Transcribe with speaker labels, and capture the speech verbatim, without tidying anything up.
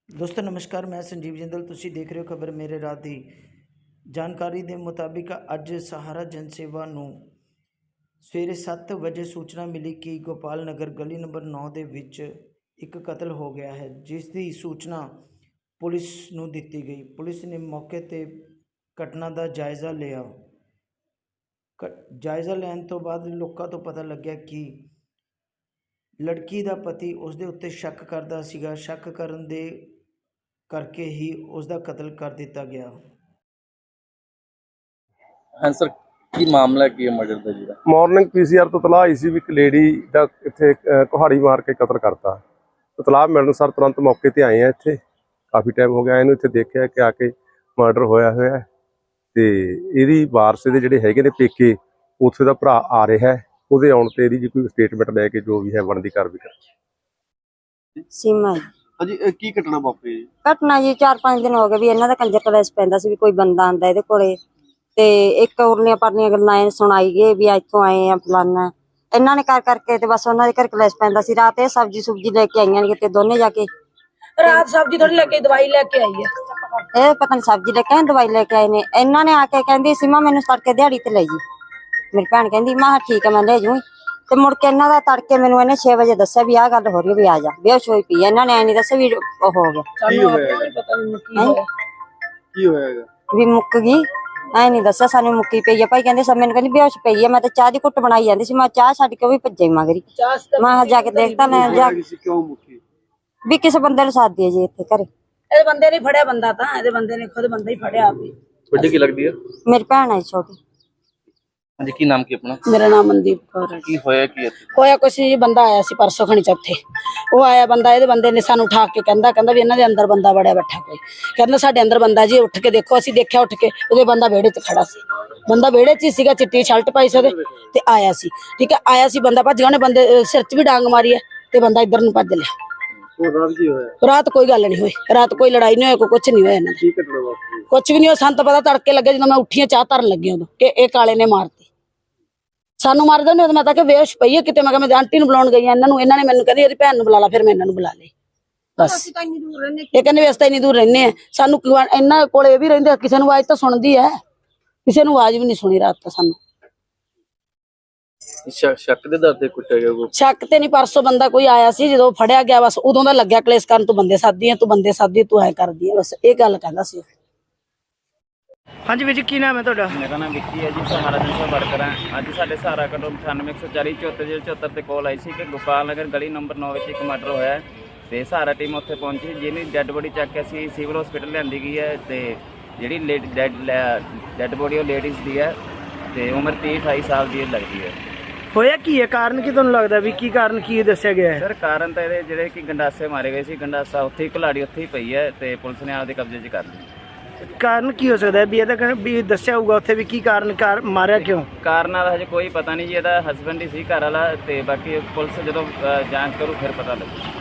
Speaker 1: दोस्तों नमस्कार, मैं संजीव जिंदल। तुसी देख रहे हो खबर मेरे रात दी। जानकारी के मुताबिक अज सहारा जनसेवा नूं सवेरे सत्त बजे सूचना मिली कि गोपाल नगर गली नंबर नौ के विच एक कतल हो गया है, जिसकी सूचना पुलिस नूं दिती गई। पुलिस ने मौके ते घटना का जायज़ा लिया। जायज़ा लैन तो बाद लोगों तो पता लग्या कि लड़की का पति उसके उत्ते शक करता सीगा। शक करन दे करके ही उसका कतल कर दिता गया।
Speaker 2: हाँ सर, की मामला की है मर्डर का जी?
Speaker 3: मॉर्निंग पीसीआर तो तलाह आई सी भी एक लेडी का इत्थे कुहाड़ी मार के कतल करता। तो तलाह मिलण सर तुरंत मौके ते आए हैं। इत्थे काफ़ी टाइम हो गया इन्हूं इत्थे देखिया कि आके मर्डर होया होया है ते इहदी वारस दे जिहड़े हैगे ने पेके उत्थे दा भरा आ रहा है। ਉਹਦੇ ਆਉਣ ਤੇ ਇਹਦੀ जी कोई स्टेटमेंट ਲੈ ਕੇ ਜੋ ਵੀ ਹੈ ਬਣਦੀ ਕਾਰਵਾਈ ਕਰ।
Speaker 4: सीमा जी
Speaker 5: ਹਾਂਜੀ ਇਹ ਕੀ ਘਟਨਾ ਵਾਪਰੀ ਜੀ?
Speaker 4: घटना जी चार पांच दिन हो गए भी इन्हां दा कंजर कलेस पैंदा सी भी कोई बंदा आंदा इहदे कोले ते एक उरलियां परलियां गल्लां एह सुनाई गए भी इत्थों आए आ फलाना। इन्हां ने कर करके ते बस उन्हां दे घर कलेस पैंदा सी। रात ए सब्जी सुब्जी लेके आईयां ने किते दोने जाके।
Speaker 6: रात सब्जी थोड़ी लेके दवाई लेके आई है।
Speaker 4: ए पता नहीं सब्जी लेके आए दवाई लेके आए ने। इन्हां ने आके कहंदी सीमा मैनूं तड़के दिहाड़ी ते ले जी। मेरी भैन कहंदी मैं ठीक है मैं ले जूं ते मुड़ के इन्हां दा तड़के मैनूं इन्हें छे बजे दस्सिया भी आ गल हो रही भी आ जा बेहोश होई पई। इन्हां ने ऐ नहीं दस्सिया भी ओ हो गया
Speaker 5: ਕੀ ਹੋਇਆ ਹੈਗਾ? ਕੀ ਹੋਇਆ ਹੈਗਾ?
Speaker 4: भी मुक गई। ऐ नहीं दस्सिया सानूं मुक्की पई है भाई। कहंदे सब मैनूं कहंदी बेहोश पई है। मैं तो चाह दी घुट बनाई जांदी सी। मैं चाह छड्ड के भी भज्जे मगरी। मैं जाके देखता ना जा
Speaker 5: ਕਿਸੇ ਕਿਉਂ ਮੁੱਕੀ?
Speaker 4: भी किसी बंदे नूं साथ दिए जी इत्थे घरे।
Speaker 6: ਇਹਦੇ ਬੰਦੇ ਨੇ ਫੜਿਆ ਬੰਦਾ ਤਾਂ ਇਹਦੇ ਬੰਦੇ ਨੇ ਖੁਦ ਬੰਦਾ ਹੀ ਫੜਿਆ ਆਪੇ।
Speaker 2: ਵੱਡੀ ਕੀ ਲੱਗਦੀ ਹੈ?
Speaker 4: मेरी भैन है छोटी।
Speaker 2: ਹਾਂਜੀ, ਕੀ ਨਾਮ ਕੀ ਆਪਣਾ?
Speaker 6: ਮੇਰਾ ਨਾਮ ਮਨਦੀਪ ਕੌਰ ਹੈ।
Speaker 2: ਕੀ ਹੋਇਆ ਕੀ ਇੱਥੇ?
Speaker 6: ਹੋਇਆ ਕੁਛ ਜੀ, ਬੰਦਾ ਆਇਆ ਸੀ ਪਰਸੋਂ ਖਣੀ ਚੌਥੇ। ਉਹ ਆਇਆ ਬੰਦਾ, ਇਹਦੇ ਬੰਦੇ ਨੇ ਸਾਨੂੰ ਉਠਾ ਕੇ ਕਹਿੰਦਾ ਕਹਿੰਦਾ ਵੀ ਇਹਨਾਂ ਦੇ ਅੰਦਰ ਬੰਦਾ ਵੜਿਆ ਬੈਠਾ ਕੋਈ। ਕਹਿੰਦਾ ਸਾਡੇ ਅੰਦਰ ਬੰਦਾ ਜੀ, ਉੱਠ ਕੇ ਦੇਖੋ। ਅਸੀਂ ਦੇਖਿਆ ਉੱਠ ਕੇ, ਉਹਦੇ ਬੰਦਾ ਵਿਹੜੇ 'ਚ ਖੜਾ ਸੀ। ਬੰਦਾ ਵਿਹੜੇ 'ਚ ਹੀ ਸੀਗਾ, ਚਿੱਟੀ ਸ਼ਰਟ ਪਾਈ ਸੀ ਉਹਦੇ ਤੇ ਆਇਆ ਸੀ। ਠੀਕ ਹੈ, ਆਇਆ ਸੀ ਬੰਦਾ, ਭੱਜ ਗਿਆ। ਉਹਨੇ ਬੰਦੇ ਸਿਰ 'ਚ ਵੀ ਡਾਂਗ ਮਾਰੀ ਹੈ ਤੇ ਬੰਦਾ ਇੱਧਰ ਨੂੰ ਭੱਜ ਲਿਆ।
Speaker 5: ਉਹ ਰਾਤ ਕੀ ਹੋਇਆ?
Speaker 6: ਰਾਤ ਕੋਈ ਗੱਲ ਨਹੀਂ ਹੋਈ। ਰਾਤ ਕੋਈ ਲੜਾਈ ਨਹੀਂ ਹੋਈ, ਕੋਈ ਕੁਛ ਨਹੀਂ ਹੋਇਆ ਇਹਨਾਂ ਦਾ।
Speaker 5: ਕੀ ਘਟਨਾ ਵਾਪਰੀ?
Speaker 6: ਕੁਛ ਵੀ ਨਹੀਂ ਹੋਇਆ। ਸਾਨੂੰ ਤਾਂ ਪਤਾ ਤੜਕੇ ਲੱਗੇ ਜਦੋਂ ਮੈਂ ਉੱਠੀ ਚਾਹ ਧਰਨ ਲੱਗੀ ਉਦੋਂ ਕਿ ਇਹ ਕਾਲੇ ਨੇ ਮਾਰਤੀ। ਸਾਨੂੰ ਮਾਰਦੇ ਨੇ। ਮੈਂ ਤਾਂ ਕਿ ਬੇਹੋਸ਼ ਪਈ ਹੈ ਕਿਤੇ। ਮੈਂ ਕਿਹਾ ਮੈਂ ਆਂਟੀ ਨੂੰ ਬੁਲਾਉਣ ਗਈ ਆ ਇਹਨਾਂ ਨੂੰ। ਇਹਨਾਂ ਨੇ ਮੈਨੂੰ ਕਹਿੰਦੀ ਇਹਦੀ ਭੈਣ ਨੂੰ ਬੁਲਾ ਲਾ। ਫਿਰ ਮੈਂ ਇਹਨਾਂ ਨੂੰ ਬੁਲਾ ਲਈ ਬਸ। ਇਹ ਕਹਿੰਦੇ ਵੀ ਅਸੀਂ ਤਾਂ ਇੰਨੀ ਦੂਰ ਰਹਿੰਦੇ ਆ। ਸਾਨੂੰ ਇਹਨਾਂ ਕੋਲੇ ਇਹ ਵੀ ਰਹਿੰਦੇ, ਕਿਸੇ ਨੂੰ ਆਵਾਜ਼ ਤਾਂ ਸੁਣਦੀ ਹੈ, ਕਿਸੇ ਨੂੰ ਆਵਾਜ਼ ਵੀ ਨਹੀਂ ਸੁਣੀ ਰਾਤ ਤਾਂ ਸਾਨੂੰ।
Speaker 2: ਸ਼ੱਕ ਦੇ ਦਰ ਤੇ ਕੁੱਟਿਆ ਗਿਆ ਕੋ?
Speaker 6: ਸ਼ੱਕ ਤੇ ਨਹੀਂ, ਪਰਸੋਂ ਬੰਦਾ ਕੋਈ ਆਇਆ ਸੀ ਜਦੋਂ ਫੜਿਆ ਗਿਆ ਬਸ ਉਦੋਂ ਦਾ ਲੱਗਿਆ ਕਲੇਸ਼ ਕਰਨ। ਤੂੰ ਬੰਦੇ ਸਾਦੀ ਆ, ਤੂੰ ਬੰਦੇ ਸਾਦੀ, ਤੂੰ ਐ ਕਰਦੀ ਆ, ਬਸ ਇਹ ਗੱਲ ਕਹਿੰਦਾ ਸੀ।
Speaker 1: हाँ जी वीर, की नाम है तुहाडा?
Speaker 7: मेरा नाम विक्की है जी, सहारा जनसेवा वर्कर है। अज साढ़े सहारा कटो अठानवे एक सौ चाली चौहत्तर जीरो चौहत्तर से कॉल आई सी कि गोपाल नगर गली नंबर नौ में एक मर्डर होया है। तो सहारा टीम उत्थे पहुंची, जिन्हें डैड बॉडी चक के असीं सिविल हॉस्पिटल लियांदी गई है। तो जी डैड डैड बॉडी वो लेडीज़ की है, तो उम्र तीह अठाई साल की लगती है।
Speaker 1: होया की है? कारण की तुहानूं लगदा भी की कारण की दस्सिया गया है?
Speaker 7: सर कारण तो ये जिहड़े कि गंडासे मारे गए सी, गंडासा उत्थे ही घलाड़ी उत्थे ही पई है, तो पुलिस ने आपदे कब्जे च कर ली।
Speaker 1: कारण की हो सकता है भी ਇਹਦਾ ਵੀ ਦੱਸਿਆ ਹੋਊਗਾ ਉੱਥੇ ਵੀ ਕੀ ਕਾਰਨ ਕਾਰ ਮਾਰਿਆ ਕਿਉਂ?
Speaker 7: ਕਾਰਨਾਂ ਦਾ ਹਜੇ ਕੋਈ ਪਤਾ ਨਹੀਂ ਜੀ। ਇਹਦਾ ਹਸਬੈਂਡ ਹੀ ਸੀ ਘਰ ਵਾਲਾ, ਤੇ ਬਾਕੀ ਪੁਲਿਸ ਜਦੋਂ ਜਾਂਚ ਕਰੂ ਫਿਰ ਪਤਾ ਲੱਗੂ।